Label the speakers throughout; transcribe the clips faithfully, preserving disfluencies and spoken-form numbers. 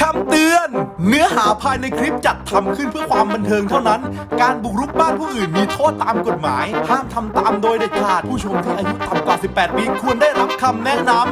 Speaker 1: ำเตือนเนื้อหาภายในคลิปจัดทำขึ้นเพื่อความบันเทิงเท่านั้นการบุกรุกบ้านผู้อื่นมีโทษตามกฎหมายห้ามทำตามโดยเด็ดขาดผู้ชมที่อายุต่ำกว่าสิบแปดปีควรได้รับคำแนะนำ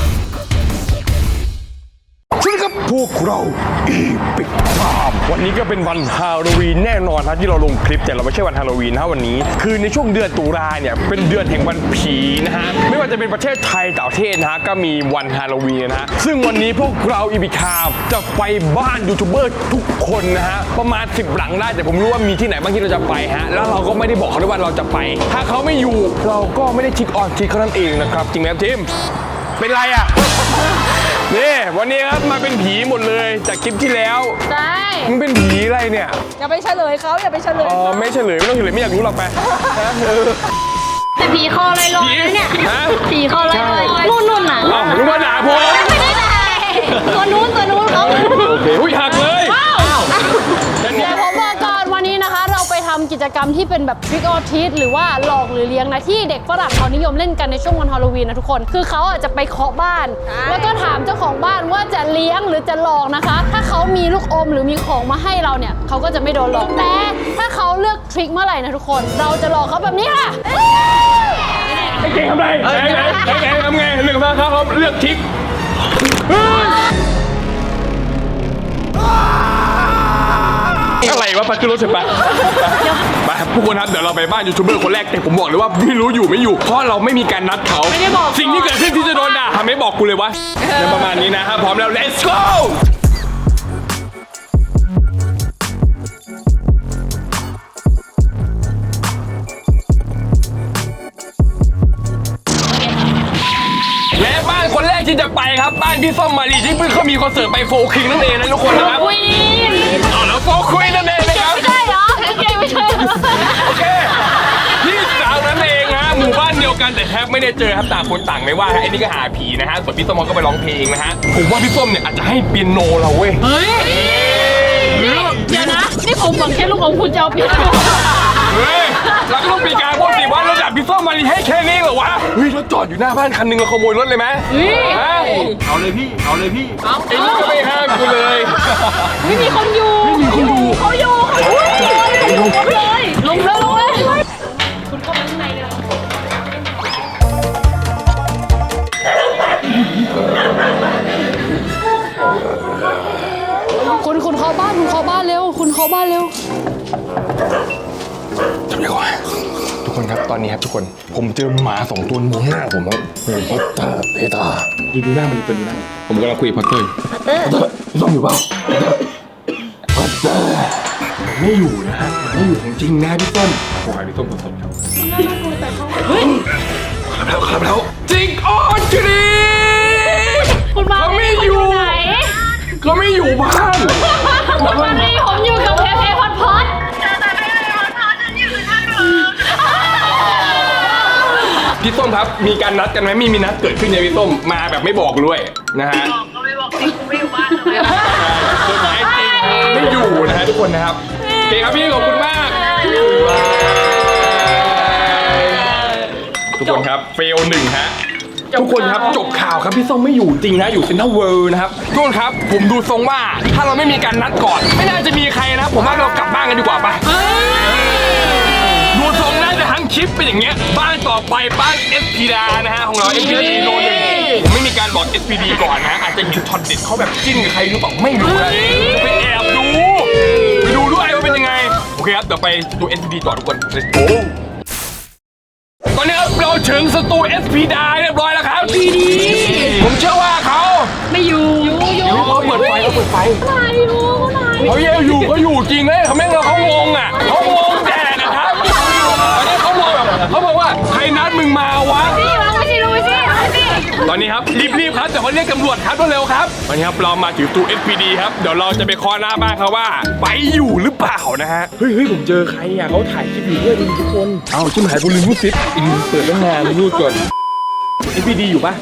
Speaker 2: สวัสดีครับพวกเราอีพิกไทม์วันนี้ก็เป็นวันฮาโลวีนแน่นอนครับที่เราลงคลิปแต่เราไม่ใช่วันฮาโลวีนนะวันนี้คือในช่วงเดือนตุลาเนี่ยเป็นเดือนแห่งวันผีนะฮะไม่ว่าจะเป็นประเทศไทยต่างประเทศนะฮะก็มีวันฮาโลวีนนะฮะซึ่งวันนี้พวกเราอีพิกไทม์จะไปบ้านยูทูบเบอร์ทุกคนนะฮะประมาณสิบหลังได้แต่ผมรู้ว่ามีที่ไหนบ้างที่เราจะไปฮะแล้วเราก็ไม่ได้บอกเขาด้วยว่าเราจะไปถ้าเขาไม่อยู่เราก็ไม่ได้ทิกออนทิกเขานั่นเองนะครับจริงไหมครับทีมเป็นไรอ่ะนี่วันนี้ครับมาเป็นผีหมดเลยจากคลิปที่แล้ว
Speaker 3: ใช่
Speaker 2: มันเป็นผีอะไรเนี่ย
Speaker 3: อย่าไปเฉลยเขาอย่าไปเฉลย
Speaker 2: อ๋อไม่เฉลยไม่ต้องเฉลยไม่อยากรู้หรอกไป
Speaker 3: แต่ผีคอลอยลอยเนี่ยผีคอลอยลอยนุ่นนุ่นอ่ะ
Speaker 2: อ้าวนึกว่าด่าผม
Speaker 3: ไม่ได้ด่าตัวนู้นตัวนู้นเขา
Speaker 2: โอเคหุ้ยหักเลย
Speaker 3: เดี๋ยวผมบอกก่อนวันนี้นะคะเราไปทำกิจกรรมที่เป็นแบบ trick or treat หรือว่าหลอกหรือเลี้ยงนะที่เด็กฝรั่งเขานิยมเล่นกันในช่วงวันฮาโลวีนนะทุกคนคือเขาอาจจะไปเคาะบ้านแล้วก็ถามเจ้าของบ้านว่าจะเลี้ยงหรือจะหลอกนะคะถ้าเขามีลูกอมหรือมีของมาให้เราเนี่ยเขาก็จะไม่โดนหลอกแต่ถ้าเขาเลือกทริคเมื่อไหร่นะทุกคนเราจะหลอกเขาแบบนี้ค่ะ
Speaker 2: เก่งทำไรเก่งเก่งทำไงหนึ่งมาครับเขาเลือกทริคอะไรวะไปขึ้นรถเถอะไปไปทุกคนครับเดี๋ยวเราไปบ้านยูทูบเบอร์คนแรกแต่ผมบอกเลยว่าไม่รู้อยู่ไม่อยู่เพราะเราไม่มีการนัดเขาสิ่งที่เกิดขึ้นที่จะโดนด่าทำไม่บอกกูเลยวะประมาณนี้นะครับพร้อมแล้ว let's goและบ้านคนแรกที่จะไปครับบ้านพี่ส้มมารีที่เพิ่งเขามีคอนเสิร์ตไปโฟร์คิงนั่นเองนะทุกคนนะครับอ๋อแล้วโฟร์คิงนั่นเองนะครับ
Speaker 3: ไม่ใช่เหรอโอเคไม่ใช่
Speaker 2: โอเคพี่สาวนั่นเองฮะหมู่บ้านเดียวกันแต่แทบไม่ได้เจอครับต่างคนต่างไม่ว่าไอ้นี่ก็หาผีนะฮะส่วนพี่ส้มก็ไปร้องเพลงนะฮะผมว่าพี่ส้มเนี่ยอาจจะให้เปียโนเราเว้ย
Speaker 3: เฮ้ยเดี๋ยวนะนี่ผมหวังแค่ลูกของคุณจะเอาเปียโน
Speaker 2: เฮ้ยเราก็ต้องมีการพูดสิว่าระดับพี่ส้มมารีให้แค่นี้เหรอวะเฮ้ยรถจอดอยู่หน้าบ้านคันนึงเราขโมยรถเลยไหม
Speaker 1: เอาเลยพี่เอาเลยพี่
Speaker 2: ไอ้นี่ก็ไม่ห้ามกูเลย
Speaker 3: ไม่มีคนอยู่
Speaker 2: ไม่มีคนอยู่
Speaker 3: เขาอยู่เขาอยู่ลงเลยลงเลยลงเลยคุณเข้าไปข้างในเลยคุณคุณเข้าบ้านคุณเข้าบ้านเร็วคุณเข้าบ้านเร็ว
Speaker 2: ทำยังไงทุกคนครับตอนนี้ครับทุกคนผมเจอหมาสองตัวมองหน้าผมครับเพตตาเพตาดูดูหน้ามันเป็นหน้าผมกำลังคุยกับพัตเตอร์ต้องอยู่เปล่าพัตเตอร์ไม่อยู่นะฮะไม่อยู่ของจริงนะพี่ต้นขอให้พี่ต้นผสมครับขับแล้วขับแล้วจริงอ๋อจริง
Speaker 3: คุณมา
Speaker 2: ไม่อยู่ก็ไม่อยู่บ้าน
Speaker 3: คุณมาดีผมอยู่กับเพเพพอดพอด
Speaker 2: พี่ส้มครับมีการนัดกันไหมมีมีนัดเกิดขึ้นเนี่ยพี่ส้มมาแบบไม่บอกด้วยนะฮะ
Speaker 4: บอกก็ไม่บอกจริงกูไม่อยู่บ้านเลย
Speaker 2: สุดท้ายจริงไม่อยู่นะฮะทุกคนนะครับโอเคครับพี่ขอบคุณมากทุกคนครับเฟลหนึ่งฮะทุกคนครับจบข่าวครับพี่ส้มไม่อยู่จริงนะอยู่เซ็นทรัลเวิลด์นะครับทุกคนครับผมดูทรงว่าถ้าเราไม่มีการนัดก่อนไม่น่าจะมีใครนะผมว่าเรากลับบ้านกันดีกว่าไปดูทรงน่าจะทั้งคลิปเป็นอย่างเงี้ยบ้านต่อไปบ้าน เอส พี ดานะฮะของเรา เอส พี ดี โนหนึ่งผมไม่มีการบอก เอส พี ดี ก่อนนะอาจจะเห็นช็อตเด็ดเขาแบบจิ้นกับใครหรือเปล่าไม่รู้นะไปแอบดูไปดูด้วยว่าเป็นยังไงโอเคครับเดี๋ยวไปดู เอส พี ดี ต่อทุกคน let's go ตอนนี้ครับเราถึงสตู เอส พี ดาเรียบร้อยแล้วครับผมเชื่อว่าเขา
Speaker 3: ไม่อยู่อยู่อยู่
Speaker 2: เขาเปิดไฟเขาเปิดไฟ
Speaker 3: ไหนอยู่ไหน
Speaker 2: เขาเยอยู่เขาอยู่จริงเลยเขาไม่เราเขางงอ่ะเขางงแดดนะครับตอนนี้เขาบอกแบบเขาบอกว่าใครนัดมึงมาวะ
Speaker 3: พี่มาไม่ใช่รู้สิ
Speaker 2: ตอนนี้ครับรีบๆครับเดี๋ยวเขาเรียกตำรวจครับเร็วๆครับตอนนี้ครับเรามาถึงตู้ เอส พี ดี ครับเดี๋ยวเราจะไปเคาะหน้าบ้านเขาว่าไปอยู่หรือเปล่านะฮะเฮ้ยเฮ้ยผมเจอใครอ่ะเขาถ่ายคลิปอยู่ด้วยทุกคนเอ้าชิมหายกูลืมรูดซิปเปิดตั้งนานรูดก่อน เอส พี ดี อยู่ปะ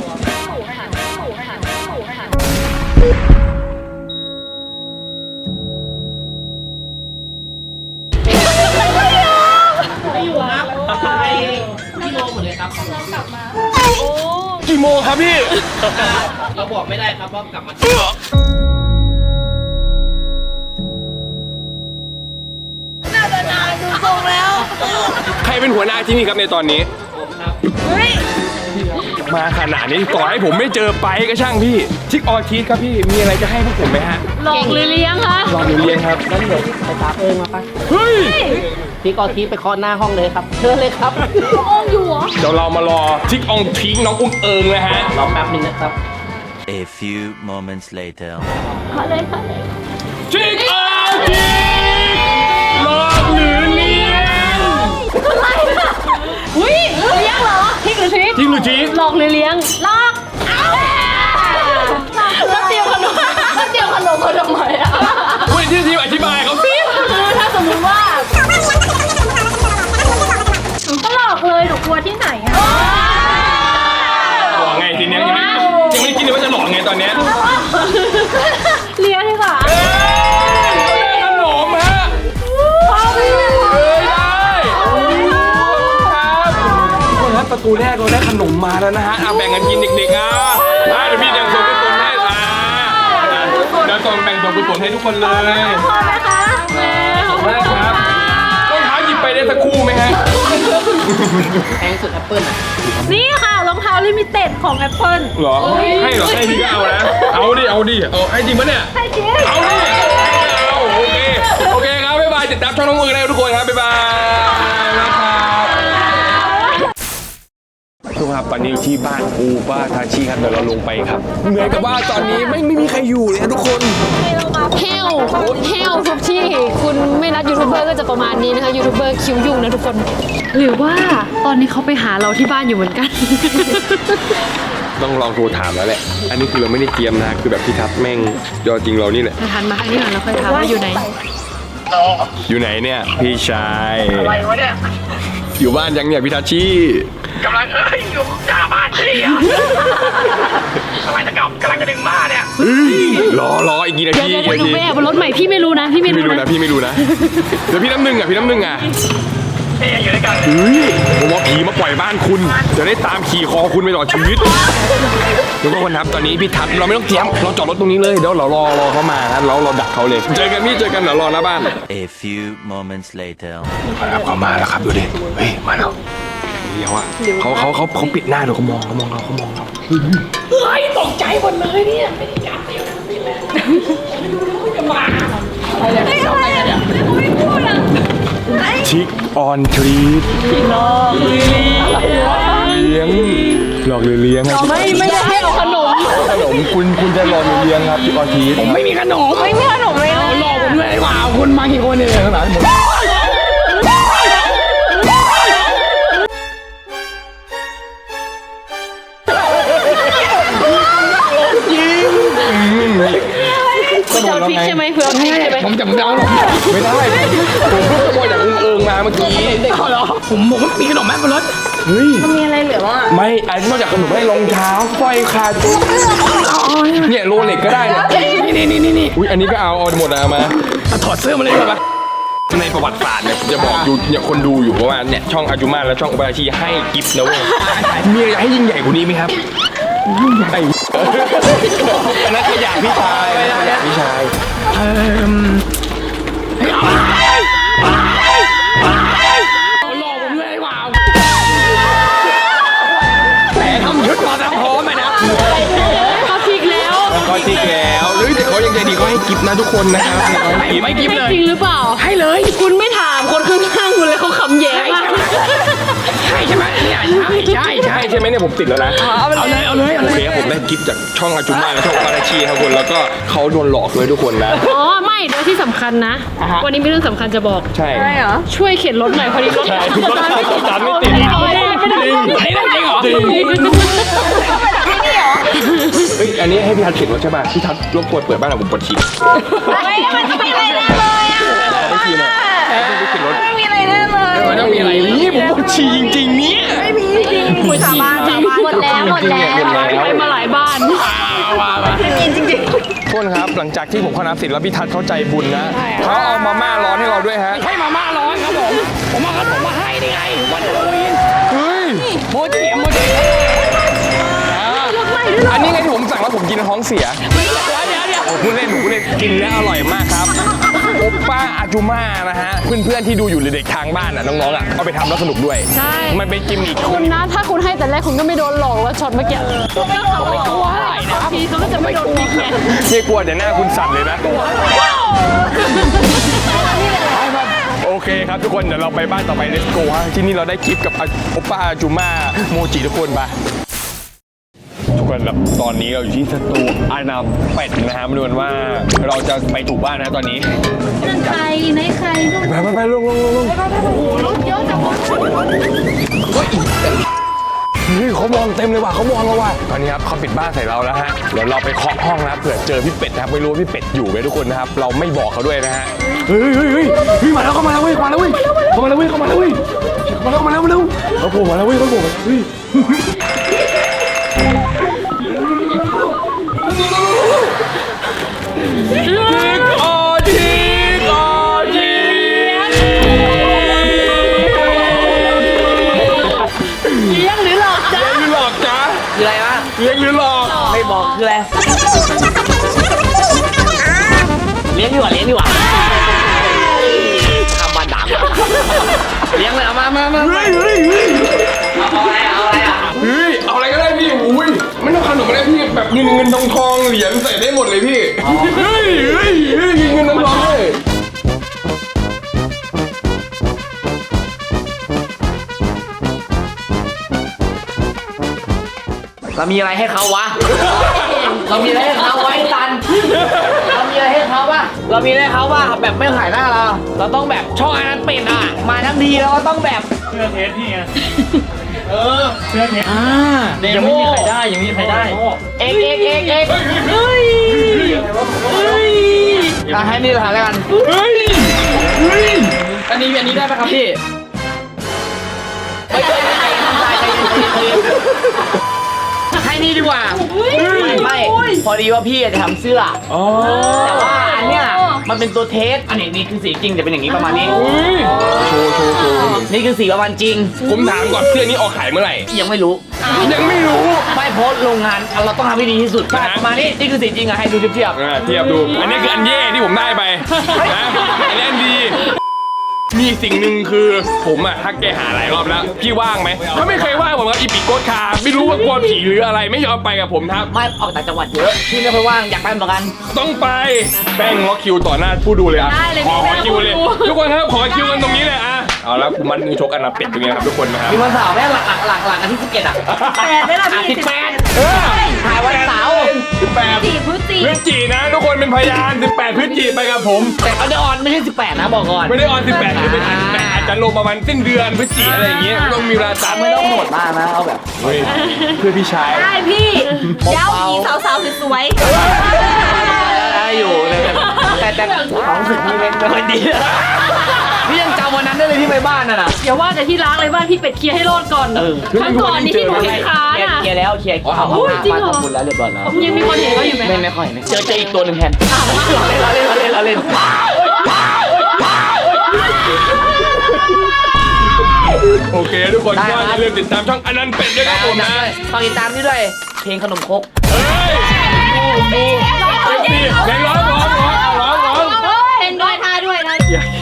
Speaker 2: กี่โมงครับพี่
Speaker 4: เราบอกไม่ได้ครับว่ากลับมา
Speaker 2: หัวหน้าที่นี่ครับในตอนนี้มาขนาดนี้ต่อให้ผมไม่เจอไปก็ช่างพี่ทิกออทีสครับพี่มีอะไรจะให้พวกผมไหมฮะ
Speaker 3: หลอกหรือเลี้ยงคะ
Speaker 2: รออยู่เรียนครับ
Speaker 5: งั้นเดี๋ยวไปตามเอิงมาไป
Speaker 2: เฮ้ย
Speaker 5: พี่กอทีไปเคาะหน้าห้องเลยครับเชิญเลยครับ
Speaker 3: อ้องอยู่เหรอ
Speaker 2: เดี๋ยวเรามารอทิกอองทีน้องอุ้มเอิงนะฮะ
Speaker 5: รอแป๊บนึงนะครับ
Speaker 6: A few moments later.
Speaker 2: ทิกอองทีหลอกหรือเลี้ยง
Speaker 3: อะไรอะอุ้ยเลี้ยงเหรอทิกหรือทิก
Speaker 2: ทิกหรือทิก
Speaker 3: หลอกหรือเลี้ยงหลอกแล้วเตรียมขนมแล้วเตรียมขนมมาทำไมอะ
Speaker 2: คุณที่ทีมอธิบายเขาสิ
Speaker 3: คือถ้าสมมติว่าก็หลอกเลยหนูกลัวที่ไหนอะ
Speaker 2: หลอกไงทีเนี้ยยังไม่ยังไม่ได้คิดเลยว่าจะหลอกไงตอนเนี้ย
Speaker 3: เลี้ยงดีกว่า
Speaker 2: เอ้ยขนมฮะ
Speaker 3: พ่อพี่
Speaker 2: เอ้ยได้ครับทุกคนครับประตูแรกเราได้ขนมมาแล้วนะฮะเอาแบ่งกันกินเด็กๆอ่ะอ่ะเดี๋ยวพี่แบ่งส่วนกุศลให้อ่าเดี๋ยวส่งแบ่งส่วนกุศลให้ทุกคนเลย
Speaker 3: พ่อไหมคะแม่ขอบคุณ
Speaker 2: ได้ครับรองเท้าหยิบไปได้สักคู่ไหมฮะ
Speaker 5: แพงสุดแอปเปิ้ลอ่ะ
Speaker 3: นี่ค่ะรองเท้าลิมิเต็ดของ Apple
Speaker 2: หรอให้เหรอให้พี่ก็เอานะเอาดิเอาดิเอาให้จริงปะเนี่ย
Speaker 3: ให้จริง
Speaker 2: เอาดิเอาโอเคโอเคครับบ๊ายบายติดตามช่องน้องมือได้ทุกคนครับบ๊ายบายนะครับทุกคนครับตอนนี้อยู่ที่บ้านปูป้าทาชิครับเดี๋ยวเราลงไปครับเหมือนกับว่าตอนนี้ไม่ไม่มีใครอยู่เลยนะทุกคน
Speaker 3: เฮลเฮลทุกที่คุณไม่นัดยูทูบเบอร์ก็จะประมาณนี้นะคะยูทูบเบอร์คิวยุ่งนะทุกคน หรือว่าตอนนี้เขาไปหาเราที่บ้านอยู่เหมือนกัน
Speaker 2: ต้องลองโทรถามแล้วแหละอันนี้คือเราไม่ได้เตรียมนะคือแบบพี่ทับแม่งยอดจริงเรานี่แหละ
Speaker 3: ทันมาอันนี้ก่อนเราค่อยถามว่าอยู่ไหน
Speaker 2: อยู่ไหนเนี่ยพี่ชาย
Speaker 4: อะไรวะเนี่ย
Speaker 2: อยู่บ้านยังเนี่ยพี่ทัชชี่
Speaker 4: กำลังเอ้ยอยู่หน้าบ้านพี่อะกำลังจะกลับกำลังจะดึงบ้านเนี่ย
Speaker 2: รอรออีกกี่นา
Speaker 3: เดี๋ยว
Speaker 2: ที
Speaker 3: เดี๋ยว
Speaker 2: กี่
Speaker 3: เดี๋ยวหนู
Speaker 2: นาที
Speaker 3: ไปแอบบนรถใหม่พี่ไม่รู้นะพี่ไม่
Speaker 2: พี่ไม่
Speaker 3: รู้
Speaker 2: รู้
Speaker 3: นะ
Speaker 2: นะพี่ไม่รู้นะเดี๋ยวพี่น้ำหนึ่งอ่ะพี่น้ำหนึ่งอ่ะ
Speaker 4: พี่ยังอยู่ด้วยกัน
Speaker 2: เฮ้ยผมว่าผีมาปล่อยบ้านคุณจะได้ตามขี่คอคุณไปตลอดชีวิตทุกคนครับตอนนี้พี่ทัศน์เราไม่ต้องเตรียมเราจอดรถตรงนี้เลยเดี๋ยวเรารอรอเขามาครับเราเราดักเขาเลย เจอกันพี่เจอกันเดี๋ยวรอหน้าบ้าน
Speaker 6: A few moments later.
Speaker 2: ครับเขามาแล้วครับดูดิเฮ้ยมาแล้วเดี๋ยวอ่ะเขาเขาเขาเขาปิดหน้าเดี๋ยวเขามองเขามองเราเขามองเรา
Speaker 4: เฮ้ยตกใจหมดเลยเนี่ยไม่ได้จับเดียวนี่แหละจะมาอะไรเนี่ยอะไรเนี่ยไม่พูดอ่ะ
Speaker 2: ชิคออนทรีตหลอกเลี้ยงหลอกหรือเลี้ยงครับ
Speaker 3: ไม่ไม่ได้ให้เอาขนม
Speaker 2: ขนมคุณคุณจะหลอกหรือเลี้ยงครับชิคออนทรีต
Speaker 4: ไม่มีขนมไม่มีขนมเลยนะหลอกผมเลยว่าคุณมากี่คนเนี่ยข้างหลังหมด
Speaker 3: คุณจะเอาพริกใช่ไหมเพื่อเอาพริกใช่ไหม
Speaker 4: ผมจะผมจะเอาหรอก
Speaker 2: ไม่ได้ผมเพิ่งขโมยจากอึ้งเอิงมาเมื่อกี้
Speaker 4: เอาเหรอผมผมมีขนมแม่บนรถ
Speaker 2: เฮ้ย
Speaker 3: มีอะไรเหลือบ้าง
Speaker 2: ไม่อันนอกจากขนมให้รองเท้าสร้อยคาจุกเนี่ยโรเล็กก็ได้เนี่ย
Speaker 4: นี่นี่นี่นี่
Speaker 2: อุ้ยอันนี้ก็เอาเอาหมดเอามา
Speaker 4: ถอดเสื้อมาเลยดีกว่า
Speaker 2: ในประวัติศาสตร์เนี่ยผมจะบอกอยู่เนี่ยคนดูอยู่เพราะว่าเนี่ยช่องอาจุมาและช่องอุบาชีให้กิฟต์นะเว้ยมีอะไรให้ยิ่งใหญ่กว่านี้ไหมครับไอ้อันนั้นขยะพี่ชายขยะพี่ชาย
Speaker 4: หลอกผมเลยว่าแต่ทำชุดมาแล้วพร้อมไหมนะ
Speaker 3: เขาพริกแล้ว
Speaker 2: เขาจริงแล้วเฮ้ยแต่เขายังใจดีเขาให้กิฟต์นะทุกคนนะครับเขาให้กิฟต์
Speaker 4: ไม่กิฟ
Speaker 3: ให้
Speaker 4: เลย
Speaker 3: จริงหรือเปล่า
Speaker 4: ให้เลย
Speaker 3: คุณไม่ถามคนข้างๆคุณเลยเขาขำแย้มาก
Speaker 4: ใช่ใช่ไหมเนี่ยใช่ใช่ใช่
Speaker 2: ใช่ใช่ไหมเนี่ยผมติดแล้วนะ
Speaker 4: เอาเลยเอาเลยเอา
Speaker 2: โอ
Speaker 4: เลย
Speaker 2: เคครับผมได้กิฟต์จากช่องอาจุมาและช่องอุบาชีครับคนแล้วก็เขาโดนหลอกด้วยทุกคนนะ
Speaker 3: อ๋อไม่เดี๋ยวที่สำคัญนะ วันนี้มีเรื่องสำคัญจะบอก
Speaker 2: ใช่
Speaker 3: ช่วยเข็นรถหน่อยพอดีรถ
Speaker 2: ใช่รถสตาร์ทไม่ติด
Speaker 3: ไม่ได้
Speaker 4: อันนี้จริงเหรอ
Speaker 2: เฮ้ยอันนี้ให้พี่ทัศน์เขียนรถใช่ป่ะพี่ทัศน์รบกวนเปิดบ้านของผมปวดฉี่
Speaker 7: ไม่มันจะมีอะไรแน่เลยอ่ะ
Speaker 2: ไม่ฉี่นะพี่เขียนรถ
Speaker 7: ไม่มีอะไรแน่เลย
Speaker 2: มันต้องมีอะไรนี่ผมปวดฉี่จริงๆเนี่ย
Speaker 7: ไม่มีจริงหมดสาบานสาบานหมดแล้วหมดแล้ว
Speaker 2: หมดแล้ว
Speaker 3: ไปมาหลายบ้าน
Speaker 7: จริงจริง
Speaker 2: ทุกคนครับหลังจากที่ผมเข้าน้ำเสร็จแล้วพี่ทัศน์เข้าใจบุญนะเขาเอามาม่าร้อนให้เราด้วยฮะ
Speaker 4: ให้มาม่าร้อนครับผมผมเอาขนมมาให้นี่ไงวันฮาโลวีน
Speaker 2: เฮ้ย
Speaker 4: โมจิโมจิ
Speaker 2: อันนี้ไงที่ผมสั่งแล้วผมกินท้องเสีย
Speaker 4: เดี๋ยวเดี๋ยวเดี๋ยว
Speaker 2: โอ้พูดเล่นหนูพูดเล่นกินแล้วอร่อยมากครับโอปป้าอาจูมานะฮะเพื่อนๆที่ดูอยู่หรือเด็กทางบ้านอ่ะน้องๆอ่ะเอาไปทำแล้วสนุกด้วย
Speaker 3: ใช่
Speaker 2: มันเป็นกิมมิค
Speaker 3: คุณนะถ้าคุณให้แต่แรกคุณก็ไม่โดนหลอกว่าช็อตเมื่อกี้ไม่กลัวทีเขาก็จะไม่โดนบิ๊กไง
Speaker 2: ไม่กลัวแต่หน้าคุณสั่นเลยนะโอเคครับทุกคนเดี๋ยวเราไปบ้านต่อไป let's go ฮะที่นี่เราได้คลิปกับโอปป้าอาจูมาโมจิทุกคนปะทุกคนครับตอนนี้เราอยู่ที่สตูอานาเป็ดนะฮะมาดูกันว่าเราจะไปถูกบ้านนะตอนนี้
Speaker 7: นั่นใครไหนใครลูก
Speaker 2: ไปไปไปลงลงลงลง
Speaker 3: รถเยอะจังวะ
Speaker 2: เฮ้ยเขามองเต็มเลยว่ะเขามองเราว่ะตอนนี้ครับเขาปิดบ้านใส่เราแล้วฮะเดี๋ยวเราไปเคาะห้องนะครับเผื่อเจอพี่เป็ดนะครับไม่รู้ว่าพี่เป็ดอยู่ไหมทุกคนนะครับเราไม่บอกเขาด้วยนะฮะเฮ้ยเฮ้ยเฮ้ยเฮ้ยมาแล้วเข้ามาแล้วเว้ยมาแล้วเว้ยเข้ามาแล้วเว้ยเข้ามาแล้วเว้ยเข้ามาแล้วเข้ามาแล้วเข้ามาแล้วเขาโผล่มาแล้วเว้ยเขาโผล่มาเฮ้ยจิกออจิกออจิ
Speaker 3: เลี้ยงหรือหลอกจ้า
Speaker 2: เลี้ยงหรือหลอกจ๊ะ
Speaker 5: คืออะไรวะ
Speaker 2: เลี้ยงหรือหลอก
Speaker 5: ไม่บอกคืออะไรเลี้ยงดีกว่าเลี้ยงดีกว่าทำมันดังเลี้ยงเลยเอามามามา
Speaker 2: เฮ้ยเฮ้ยเฮ้ย
Speaker 5: เอาอะไรเอาอะไรอ่ะ
Speaker 2: เฮ้ยเอาอะไรก็ได้พี่อุ้ยไม่ต้องขนมก็ได้พี่แบบเงินเงินทองทองเหรียญใส่ได้หมดเลยพี่เฮ้ยเฮ้ยเฮ้ยเงินทองทองเลย
Speaker 5: เรามีอะไรให้เขาวะเรามีอะไรให้เขาไว้ตันเรามีอะไรให้เขาวะเรามีอะไรให้เขาวะแบบไม่ขายหน้าเราเราต้องแบบช่องอันนั้นเป็นอ่ะมาทั้งทีเราก็ต้องแบบ
Speaker 4: เชื่อเทสพี่ไง
Speaker 5: เออ
Speaker 4: เชื่อเทส
Speaker 5: อ่า
Speaker 4: ยังไม่มีใครได้ยังไม่มีใครได้
Speaker 5: เอ็กเอ็กเอ็กเอ็กเฮ้ยเฮ้ยอ่ะให้นี่ละแล้วกัน
Speaker 2: เฮ้ยเฮ้ย
Speaker 5: อันนี้อันนี้ได้ไหมครับพี่ไม่ใช่ไม่ใช่ทำได้ใจเย็นให้นี่ดีกว่าไม่พอดีว่าพี่จะทำเสื้อ
Speaker 2: อ๋อ
Speaker 5: แต่ว่าอันเนี้ยมันเป็นตัวเทสอันนี้นี่คือสีจริงแต่เป็นอย่างนี้ประมาณนี้
Speaker 2: เฮ้ยโชว์โชว์โชว์
Speaker 5: นี่คือสีประมาณจริง
Speaker 2: ผมถามก่อนเสื้อนี้ออกขายเมื่อไหร่
Speaker 5: ยังไม่รู้
Speaker 2: ยังไม่รู้
Speaker 5: ไม่โพสต์โรงงานเราต้องทำให้ดีที่สุดประมาณนี้นี่คือสีจริงอะให้ดูเทียบ
Speaker 2: อ่าเทียบดูอันนี้คืออันแย่ที่ผมได้ไปนะอันนี้อันดีมีสิ่งหนึ่งคือผมอะทักแกหาหลายรอบแล้วพี่ว่างไหมเขาไม่เคยว่างผมกับอีปิโกดคาไม่รู้ว่ากลัวผีหรืออะไรไม่ยอมไปกับผมครับ
Speaker 5: ไม่ออกต่างจังหวัดเยอะพี่ไม่ค่อยว่างอยากไปเหมือนกัน
Speaker 2: ต้องไปแป้งล็อกคิวต่อหน้าผู้ดูเลยอ่ะ
Speaker 3: ได้เลย
Speaker 2: ขอ
Speaker 3: พี่
Speaker 2: คิวเลยทุกคนครับขอคิวกันตรงนี้เลยอ่ะเอาแล้วผมมันมือชกอันนับเป็ดตรงนี้นะครับทุกคนนะครับ
Speaker 5: มีวันเสาร์แม่หลักหลักหลักหลักอันที่สิบเอ็ดอะ
Speaker 7: แปดได้ละ
Speaker 5: อ่ะ
Speaker 7: พี่
Speaker 5: สิบแปด
Speaker 2: เออ
Speaker 5: ถ่ายวันเสาร์
Speaker 2: สิบแปด
Speaker 7: สี่พฤศจิ
Speaker 2: พฤศจินะทุกคนเป็นพยานสิบแปดพฤศจิไปกับผม
Speaker 5: แต่เอาเดออนไม่ใช่สิบแปดนะบอกก่อน
Speaker 2: ไม่ได้ออนสิบแปดคือเป็นอันแต่อาจจะลงประมาณสิ้นเดือนพฤศจิอะไรอย่างเงี้ยต้องมีเวลาตาม
Speaker 5: ไม่ต้องโหดมากนะเอาแบบ
Speaker 2: เฮ้ยเพื่อพี่ชาย
Speaker 7: ได้พี่เย้าหญิงสาวๆสวย
Speaker 5: ได้อยู่เลยแต่แต่ความรู้สึกพี่เล่นไม่ค่อยดีพี่ยังจำวันนั้นได้เลยที่ไปบ้านน่ะนะ
Speaker 3: อย่าว่าแต่ที่ล้างเลยบ้านพี่เป็ดเคลียร์ให้รอดก่อน
Speaker 5: เออ
Speaker 3: ครั้งก่อนนี่ที่หนูเห็นค้า
Speaker 5: เคลียร์
Speaker 3: น่ะ
Speaker 5: เคลียร์แล้วเคลียร์เอา
Speaker 3: โอ้ยจริงเหรอ
Speaker 5: ขอบคุณแล้วเรียบร้อยแล้ว
Speaker 3: ยังมีคนเห็นเขาอยู่ไหม
Speaker 5: ไม่ไม่ค่อยไม่เจอเจออีกตัวหนึ่งแทนเราเล่นเราเล่นเราเล่นเราเล่น
Speaker 2: โอเคทุกคนก็อย่าลืมติดตามช่องอนันต์เป็ดด้วยครับผมนะ
Speaker 5: ฝากติดตามนี่ด้วยเพลงขนมครก
Speaker 2: เฮ้ยดูเอฟซีเพลงร้องร้องร้องร้องร้อง
Speaker 7: ๆเป็นด้วยท่าด้วยนะ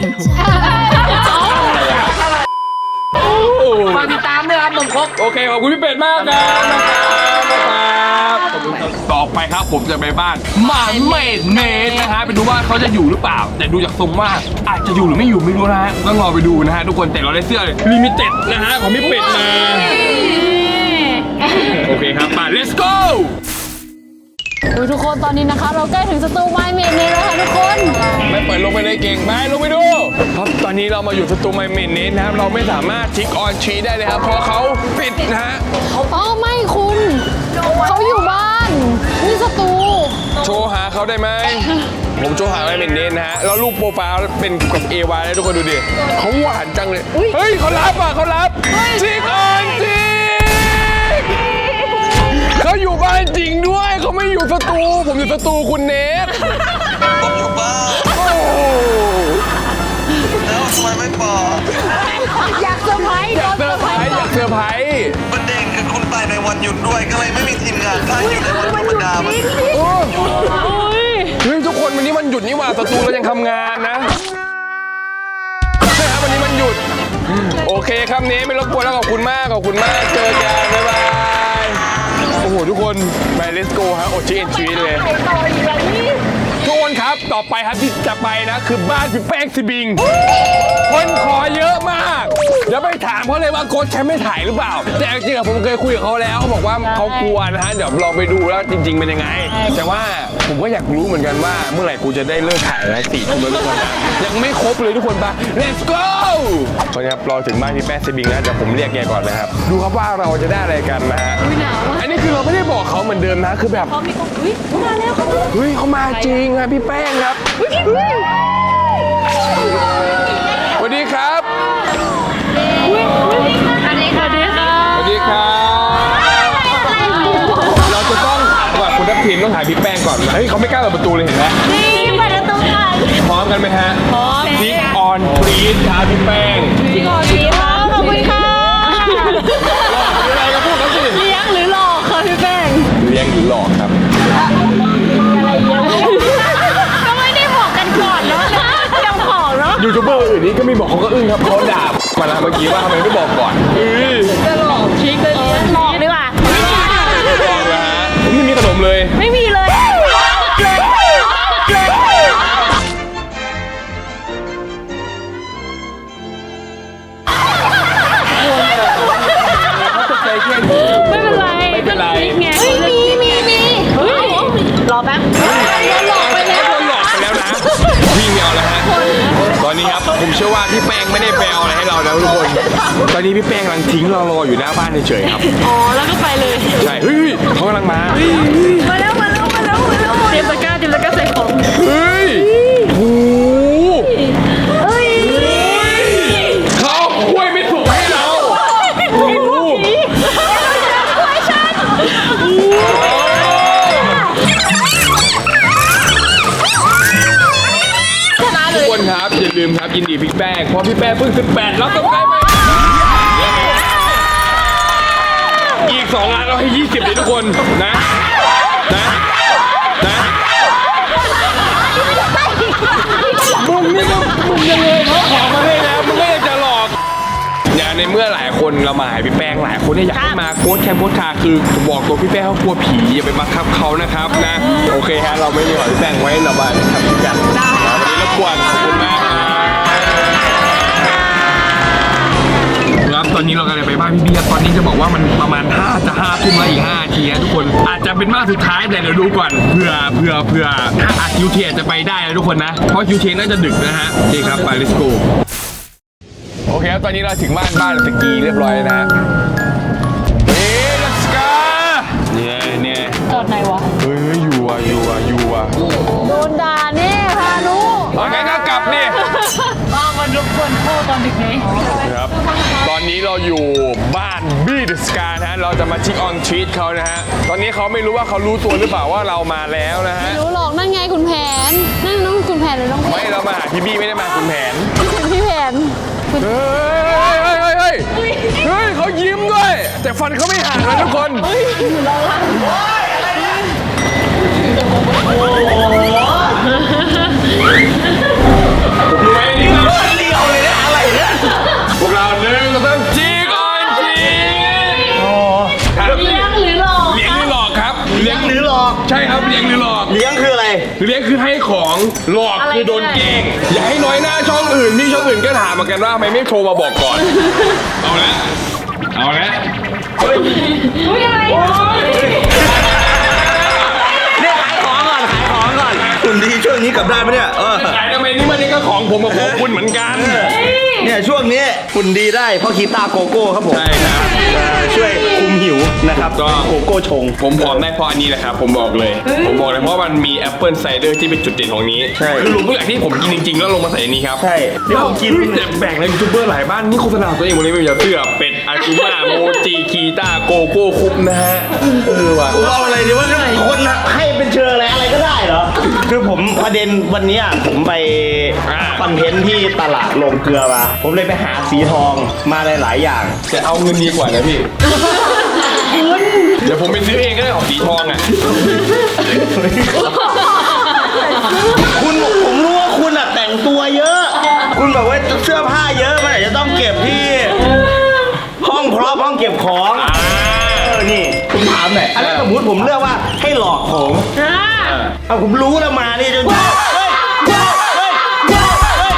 Speaker 5: ฝากติดตามด้วยครับขนมครก
Speaker 2: โอเคขอบคุณพี่เป็ดมากครับนะครับขอบคุณครับต่อไปครับผมจะไปบ้านหมาเมดเนทนะฮะไปดูว่าเขาจะอยู่หรือเปล่า แต่ดูจากทรงว่าอาจจะอยู่หรือไม่อยู่ไม่รู้นะฮะต้องรอไปดูนะฮะทุกคนแต่เราได้เสื้อลิมิเต็ดนะฮะของพี่เป็ดมาโอเคครับมา let's go
Speaker 3: ดูทุกคนตอนนี้นะคะ เราใกล้ถึงสตูไมเมนเนแล้วค่ะทุกคน
Speaker 2: ไม่เปิดลงไปเลยเก่งไปลงไปดูครับตอนนี้เรามาอยู่สตูไมเมนเนทนะครับเราไม่สามารถทิกออนชีได้เลยครับเพราะเขาปิดนะฮะ
Speaker 3: อ๋อไม่คุณเขาอยู่บ้านนี่สตู
Speaker 2: โชว์หาเขาได้ไหม ผมโชว์หาไมเมนเนทนะฮะแล้วรูปโปรไฟล์เป็นกับเอวาเลยทุกคนดูดิเขาหวานจังเลยเฮ้ยเขารับอ่ะเขารับทิกออนชีเขาอยู่บ้านจริงด้วยเขาไม่อยู่สตูผมอยู่สตูคุณเนท
Speaker 8: ผมอยู่บ้าน
Speaker 2: โอ้
Speaker 8: แล้วทำไมไม่บอก
Speaker 3: อยากเซอร์ไพรส์
Speaker 2: อยากเซอร์ไพรส์อยากเซอร์ไพรส์
Speaker 8: ประเด็นคือคุณไปในวันหยุดด้วยก็เลยไม่มีทีมงานถ้าอยู่ในวันธรรมดามัน
Speaker 3: โอ้ย
Speaker 2: ดนี่หว่าสตูเรายังทำงานนะใช่ครับวันนี้มันหยุดโอเคครับเนไม่รบกวนแล้วขอบคุณมากขอบคุณมากเจอกันบ๊ายบายโอ้โหทุกคนไป let's go ฮะโอชิเอ็นชีเลยทุกคนครับต่อไปครับที่จะไปนะคือบ้านพี่แป้งซิบิงคนขอเยอะมากเดี๋ยวไปถามเขาเลยว่าโค้ชแชมป์ไม่ถ่ายหรือเปล่าแต่จริงๆผมเคยคุยกับเขาแล้วเขาบอกว่าเขากลัวนะฮะเดี๋ยวลองไปดูแล้วจริงๆเป็นยังไงแต่ว่าผมก็อยากรู้เหมือนกันว่าเมื่อไหร่กูจะได้เลิกถ่ายแล้วสี่ทุ่มแล้วทุกคนยังไม่ครบเลยทุกคนปะ let's go ตอนนี้ครับรอถึงบ้านพี่แป้งซิบิงแล้วเดี๋ยวผมเรียกแกก่อนนะครับดูครับว่าเราจะได้อะไรกันนะฮะอันนี้คือเราไม่ได้บอกเขาเหมือนเดิมนะคือแบบ
Speaker 7: พอมีคนอุ้ยมาแล้วเขา
Speaker 2: เฮ้ยเขามาจริงครับพี่แป้งครับสวัสดีครับ
Speaker 7: สวัสดีค่ะ
Speaker 3: สวัสดีค่ะ
Speaker 2: สวัสดีครับเราจะต้องก่อนคุณทัพทีมต้องถ่ายพี่แป้งก่อนเฮ้ยเขาไม่กล้าเปิดประตูเลยเห็นไหม
Speaker 7: นี่เปิดประตูก่อน
Speaker 2: พร้อมกันไหมฮะพร้อมซิกออนฟรีดครับพี่แป้ง
Speaker 3: พี่กอดีค่ะขอบคุณค่ะ
Speaker 2: มีอะไรก็พูดเขาสิ
Speaker 3: เลี้ยงหรือหลอกค่ะพี่แป้ง
Speaker 2: เลี้ยงหรือหลอกครับ
Speaker 3: ก็ไม่ได้บอกกันก่อนเนาะเจ้าของเนาะ
Speaker 2: ยูทูบเบอร์อื่นนี้ก็ไม่บอกเขาก็อึ้งครับเขาด่ามาแล้วเมื่อกี้ว่าทำไมไม่บอกก่อนเอ้ย
Speaker 3: จะหลอกชิคเลยหลอกดีกว่า
Speaker 2: บอกนะฮะผมไม่มีขนมเลย
Speaker 3: ไม่มีเลยเลยไม่เป็นไร
Speaker 2: ไม่เป็นไร
Speaker 3: ไงมีมีมีเฮ้ยรอแป๊บโดนหลอกไปแล้ว
Speaker 2: โดนหลอกไปแล้วนะพี่ไม่เอาแล้วฮะตอนนี้ครับผมเชื่อว่าพี่แป้งไม่ได้ไปเอาอะไรให้เราแล้วทุกคนตอนนี้พี่แป้งกำลังทิ้งเรารออยู่หน้าบ้านเฉยๆครับ
Speaker 3: อ๋อแล้วก็ไปเลย
Speaker 2: ใช่เฮ้ยเขากำลังมา
Speaker 3: มาแล้วมาแล้วมาแล้วมาแล้วเตรียมตะกร้าเตรียมตะกร้าใส่ของ
Speaker 2: เฮ้ยโอ้โหเขาคุยไม่ถูกให้เราโอ้โหทุกคนครับอย่าลืมครับยินดีพี่แป้งเพราะพี่แป้งเพิ่งสิบแปดแล้วต้องได้ไหมอีกสองล้านเราให้ยี่สิบเลยทุกคนนะนะนะมึงนี่ก็มึงยังเลยเขาขอมาให้แล้วมึงก็ยังจะหลอกเนี่ยในเมื่อหลายคนเรามาหาพี่แป้งหลายคนเนี่ยอยากให้มาโค้ชแคมป์โค้ชคาคือบอกตัวพี่แป้งเขากลัวผีอย่าไปบังคับเขานะครับนะโอเคฮะเราไม่ได้ขอพี่แป้งไว้ระบายทำกันวันนี้รบกวนขอบคุณมากครับตอนนี้เรากำลังไปบ้านพี่เบียร์ตอนนี้จะบอกว่ามันประมาณห้าจะห้าทุ่มแล้วอีกห้านาทีนะทุกคนอาจจะเป็นมากสุดท้ายแต่เดี๋ยวดูก่อนเผื่อเผื่อเผื่อถ้าอาคิวเทจะไปได้นะทุกคนนะเพราะคิวเทน่าจะดึกนะฮะโอเคครับไป let's go โอเคครับตอนนี้เราถึงบ้านบ้านสกีเรียบร้อยแล้วนะเฮ้ย let's go เนี่ยเนี่ย
Speaker 3: จอดไหนวะ
Speaker 2: เฮ้ยอยู่อ่ะอยู่อ่ะอยู่อ่ะ
Speaker 3: โดนด่าแน่พานุ
Speaker 2: เอางั้นก็กลับนี่
Speaker 3: บ้ามันรบกวนพ่อตอนดึกไหม
Speaker 2: ครับตอนนี้เราอยู่บ้านบี้เดอะสกานะฮะเราจะมาชิคออนชีตเขานะฮะตอนนี้เขาไม่รู้ว่าเขารู้ตัวหรือเปล่าว่าเรามาแล้วนะฮะ
Speaker 3: รู้หรอกนั่นไงคุณแผนนั่นน้องคุณแผนหรือน้อง
Speaker 2: ไม่เรามาหาพี่บี้ไม่ได้มาคุณแผน
Speaker 3: คุณพี่แผน
Speaker 2: เฮ้ยเฮ้ยเฮ้ยเฮ้ยเฮ้ยเขายิ้มด้วย แต่ฟันเขาไม่หักนะทุกคนรู้ไหมนี่เราเดียวเลยนะอะไรเนี่ยพวกเราหนึ่งก็ต้องจีก่อนจีเลี้ยงหรือหลอกเลี้ยงหรือหลอกครับเลี้ยงหรือหลอกใช่ครับเลี้ยงหรือหลอก
Speaker 8: เลี้ยงคืออะไร
Speaker 2: เลี้ยงคือให้ของหลอกคือโดนเกงอย่าให้น้อยหน้าช่องอื่นที่ช่องอื่นก็ถามเหมือนกันว่าทำไมไม่โทรมาบอกก่อนเอาละเอาละ
Speaker 8: เนี่ยขายของก่อน ขายของก่อน คุณดีช่วงนี้กลับได้ไหมเนี่ย เออ
Speaker 2: ขายทำไมนี่มันนี่ก็ของผมกับของคุณเหมือนกัน
Speaker 8: เนี่ยช่วงนี้คุณดีได้เพราะคีต้าโกโก้ครับผม
Speaker 2: ใช่ครับ
Speaker 8: เอ่อช่วยคุมหิวนะครับ
Speaker 2: ก็
Speaker 8: โกโก้ชง
Speaker 2: ผมผอมได้เพราะอันนี้แหละครับผมบอกเลย ผมบอกเลยเพราะมันมีแอปเปิลไซเดอร์ที่เป็นจุดเด่นของนี้
Speaker 8: ใช่
Speaker 2: คือรวมทุกอย่างที่ผมกินจริงๆแล้วลงมาใส่อันนี้ครับ
Speaker 8: ใช่เดี๋ยวผมกิน
Speaker 2: เฮ้ยแต่แบ่งในยูทูบเบอร์หลายบ้านนี่โฆษณาตัวเองหมดเลยไม่อย่าเสื้อเป็ดอากูมาโมจิคีต้าโกโก้คุปนะฮะเออว่ะ
Speaker 8: เอาอะไรดีว่าคนน่ะให้เป็นเชิงอะไรอะไรก็ได้เหรอ คือผมประเด็นวันนี้ผมไปคอนเทนต์ที่ตลาดโรงเกลือมา ผมเลยไปหาสีทองมาหลายๆอย่าง
Speaker 2: แต่เอาเงินดีกว่านะพี่ เดี๋ยวผมไปซื้อเองก็ได้ของสีทองอ่ะ
Speaker 8: คุณแบบว่าเสื้อผ้าเยอะมันอาจจะต้องเก็บที่ ห้องพร็อพห้องเก็บของเออนี่ผมถามหน่อยอันนั้นสมมติผมเลือกว่าให้หลอกผม
Speaker 3: อ่า
Speaker 8: เอาผมรู้แล้วมานี่จนเฮ้ยเฮ้ยเฮ้ยเฮ้ยเฮ้ย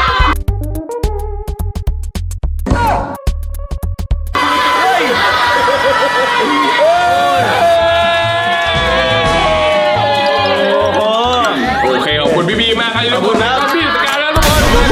Speaker 2: โอเคขอบคุณพี่บีมากครับทุกคนนะพี่สกายแล้วทุกคนทุก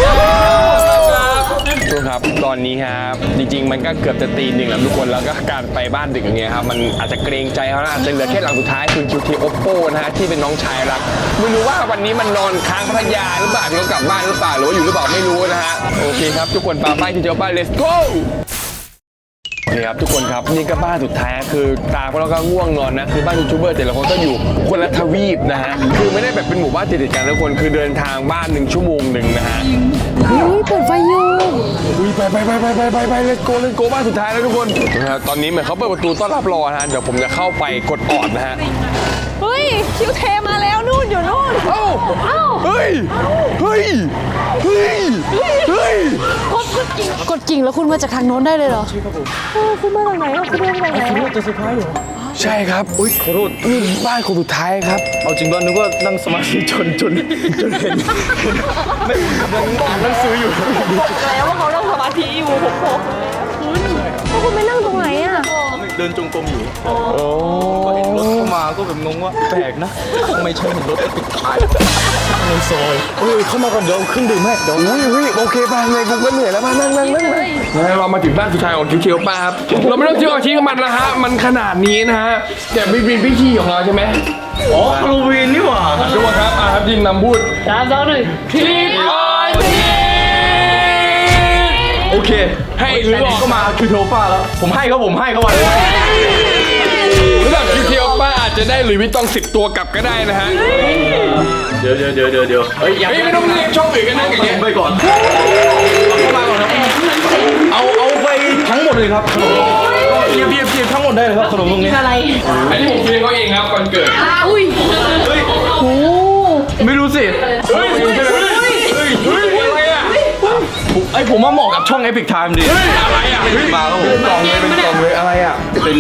Speaker 2: คนครับตอนนี้ครับจริงๆมันก็เกือบจะตีหนึ่งแล้วทุกคนแล้วก็การไปบ้านดึกอย่างเงี้ยครับมันอาจจะเกรงใจเขานะอาจจะเหลือแค่หลังสุดท้ายคือ คิว ที Oppo นะฮะที่เป็นน้องชายรักไม่รู้ว่าวันนี้มันนอนค้างพัทยาหรือเปล่าหรือว่ากลับบ้านหรือเปล่าหรือว่าอยู่หรือเปล่าไม่รู้นะฮะโอเคครับทุกคนปาไปที่เจ้าบ้าน let's goโอเคครับทุกคนครับนี่ก็บ้านสุดท้ายคือตาพวกเราก็ง่วงนอนนะคือบ้านยูทูบเบอร์แต่ละคนก็อยู่คนละทวีปนะฮะคือไม่ได้แบบเป็นหมู่บ้านติดๆกันทุกคนคือเดินทางบ้านหนึ่งชั่วโมงหนึ่งนะฮะ
Speaker 3: อุ้ยเปิดไฟอยู่
Speaker 2: อุ้ยไปไปไปไปไปไปไป let's go let's go บ้านสุดท้ายแล้วทุกคนนะครับตอนนี้เหมือนเขาเปิดประตูต้อนรับรอนะฮะเดี๋ยวผมจะเข้าไปกดออดนะฮะ
Speaker 7: เฮ้ย คิวเทมาแล้วนู่นอยู่นู่น
Speaker 2: เอ้าเฮ้ยเฮ้ยเฮ้ยเฮ้ย
Speaker 3: กดกิ่งแล้วคุณมาจากทางโน้นได้เลยเหรอ
Speaker 7: เออคุณมาจากไหนอะคุณมาจากไหนอะ
Speaker 2: ใช่ครับอุ้ยขอโทษนี่บ้านคนสุดท้ายครับ
Speaker 8: เอาจริงป่ะนึกว่านั่งสมาธิจนจนจนเห็นไม่อ่านหนังสืออยู่
Speaker 7: แล้วว่าเขานั่งสมาธิอยู่ผมบอกคุณแล้วคุณไปนั่งตรงไหนอะ
Speaker 8: เดินจงกรมอยู่ก็เห็นรถเข้ามาก็แบบงงว่าแปลกนะทำไมใช่เห็นรถติดท้ายในซอยเฮ้ยเข้ามาก่อนเดี๋ยวเครื่องดื่มให้เดี๋ยว
Speaker 2: อุ้ยอุ้ยโอเคไปไงกูก็เหนื่อยแล้วมานั่งนั่งนั่งนั่งเรามาถึงบ้านสุดท้ายของคิวเคียวป้าครับเราไม่ต้องเที่ยวชี้กับมันแล้วฮะมันขนาดนี้นะฮะแต่ไม่เป็นพิธีของเราใช่ไหม
Speaker 8: อ๋อฮาโลวีนนี่หว่า
Speaker 2: ทุกคนครับอ่ะครับยิงนำพูด
Speaker 3: สามสองหนึ่ง
Speaker 2: ทีออนทีโอเคให้หรือบอก
Speaker 8: ก็มาคือโทฟ้าแล้วผมให้เขาผมให้เขาวัน
Speaker 2: สำหรับคิวเคียวป้าอาจจะได้หลุยส์วิตตองสิบตัวกลับก็ได้นะฮะ
Speaker 8: เดี๋ยวเดี๋ยวเดี๋ยวเดี๋ยวเดี๋ยวเฮ้ย
Speaker 2: เฮ้ยไม่ต้องเรียกช่องอื่นกันนะอย่างเงี้ย
Speaker 8: ไปก่อนเข้ามาก่อนครับเอาเอาไปทั้งหมดเลยครับขนมเบียบเบียบเบียบทั้งหมดได้เลยครับขนมตรงนี้
Speaker 3: อะไร
Speaker 2: อันนี้ผมเรียกเขาเองครับวันเกิด
Speaker 3: อุ้ย
Speaker 8: เฮ้ยไม่รู้สิ
Speaker 2: เฮ้ยเฮ้ยเฮ้ยเฮ้ยเฮ้ยอะไรอ่ะ
Speaker 8: ไอผมว่าเหมาะกับช่อง Epic Time ดี
Speaker 2: เฮ้ยอะไรอ่ะเฮ้ย
Speaker 8: มาแล้วผม
Speaker 2: กล่องเลยเป็นกล่องเลยอะไรอ่ะ
Speaker 8: เป็น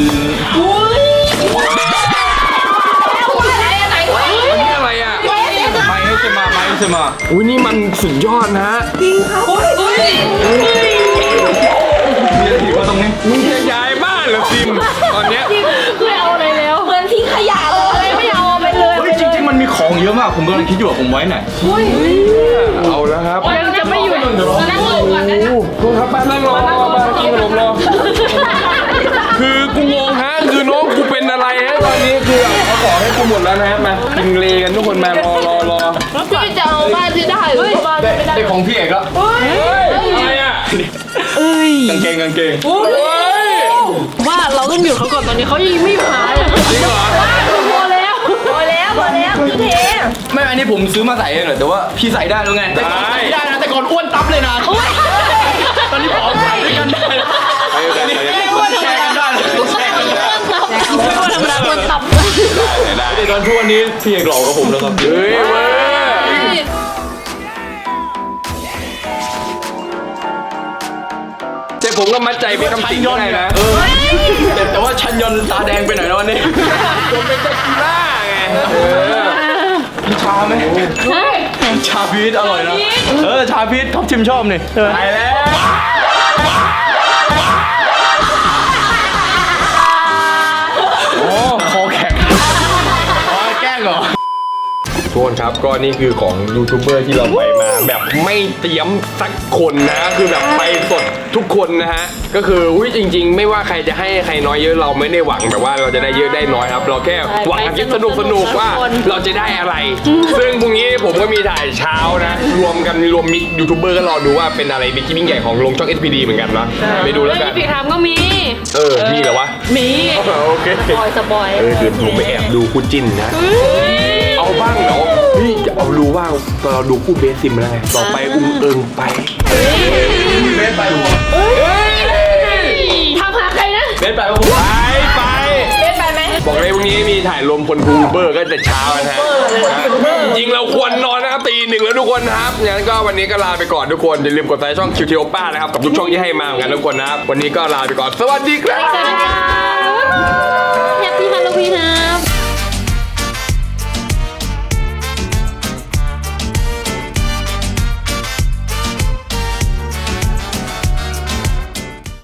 Speaker 2: อันนี้อะไรอ่ะ
Speaker 8: ไม้ให้เซมาไม้ให้เซมา
Speaker 2: อุ้ยนี่มันสุดยอดนะฮะ
Speaker 8: มีอะไรอีกวะตรงนี้
Speaker 2: มึงจะย้ายบ้านเหรอซิมตอนเนี้ย
Speaker 3: ไม่เอาอะไรแล้ว
Speaker 7: เหมือนทิ้งขยะเลย
Speaker 3: ไม่เอาไปเลย
Speaker 8: เฮ้ยจริงๆมันมีของเยอะมากผมกำลังคิดอยู่ว่าผมไว้ไหน
Speaker 2: เอาแล้วครับ
Speaker 3: ยังจะไม่อยู่นั่งลงก่อนนะ
Speaker 2: โอ้โหครับบ้านนั่งรอบ้านกินขนมรอคือกูงงฮะคือน้องกูเป็นอะไรฮะตอนนี้คือเขาขอให้กูหมดแล้วนะมากินเลกันทุกคนมารอรอรอ
Speaker 3: พี่จะเอาบ้านที่ได้หรือเอาบ้านที่ไม่ได้
Speaker 8: ได้ของพี่เอกแล้ว
Speaker 2: เฮ้ยอะไรอ่ะ
Speaker 8: กางเกงกางเกง
Speaker 2: เฮ้ย
Speaker 3: ว่าเราต้องอยู่เขาก่อนตอนนี้เขายังไม่หายเลย
Speaker 2: จริงเหรอ
Speaker 3: พอแล้ว
Speaker 7: พอแล้วพอแล้วคิวเท
Speaker 8: ไม่อันนี้ผมซื้อมาใส่เองเหรอแต่ว่าพี่ใส่ได้แล้วไงแต่ก่อนใส่ไม่ได้นะแต่ก่อนอ้วนตับเลยนะตอนนี้ผอมใส่ด้วยกันได้แชร์กันได้เลยแชร์กันได้
Speaker 3: ไม่ว่าธรรมดาคนตับ
Speaker 8: แต่ตอนทุกวันนี้พี่เอกหล่อกว่าผมแล้วครับ
Speaker 2: เฮ้ยเว้ยแต่ผมก็มัดใจเป็นคำสิงได้นะ
Speaker 8: เออแต่แต่ว่าชันยนต์ตาแดงไปหน่อยนะวันนี้
Speaker 2: ผมเป็นตะกีล่าไงเออ
Speaker 8: มีชาไหมชาพีชอร่อยนะเออชาพีชท็อปชิมชอบนี่
Speaker 2: ไปแล้ว
Speaker 8: โอ้คอแข็งอ๋อแกล้งเหรอ
Speaker 2: ทุกคนครับก็นี่คือของยูทูบเบอร์ที่เราไปมาแบบไม่เตรียมสักคนนะคือแบบไปสดทุกคนนะฮะก็คืออุ้ยจริงๆ ไม่ว่าใครจะให้ใครน้อยเยอะเราไม่ได้หวังแบบว่าเราจะได้เยอะได้น้อยครับ เราแค่หวังคิดสนุกสนุกว่าเราจะได้อะไร ซึ่งพรุ่งนี้ผมก็มีถ่ายเช้านะรวมกันรวมมิกยูทูบเบอร์ก็รอดูว่าเป็นอะไรบิ๊กยิ่งใหญ่ของลงช่อง เอส พี ดี เหมือนกันนะไปดูแล้วกัน
Speaker 3: พี่ทำก็มี
Speaker 2: เออมีเหรอวะ
Speaker 3: มี
Speaker 2: โอเค
Speaker 3: สปอยสปอย
Speaker 2: เออเดี๋ยวผมไปแอบดูคู่จิ้นนะ เอาบ้างเหรอนี่จะเอาดูว่าตอนเราดูคู่เบสซิมแล้วไงต่อไปอุ้งเอิงไป
Speaker 8: เบสไปวะ
Speaker 3: ทำหาใครนะ
Speaker 8: เบสไปวะ
Speaker 2: ไปไป
Speaker 7: เล่นไปไหม
Speaker 2: บอกเลยวันนี้มีถ่ายรวมพลบูเบอร์ก็จะเช้านะฮะจริงๆเราควรนอนนะครับตีหนึ่งแล้วทุกคนนะครับงั้นก็วันนี้ก็ลาไปก่อนทุกคนอย่าลืมกดไลค์ช่องคิวทีโอป้านะครับกับทุกช่องที่ให้มาเหมือนกันทุกคนนะครับวันนี้ก็ลาไปก่อนสวัสดีครับ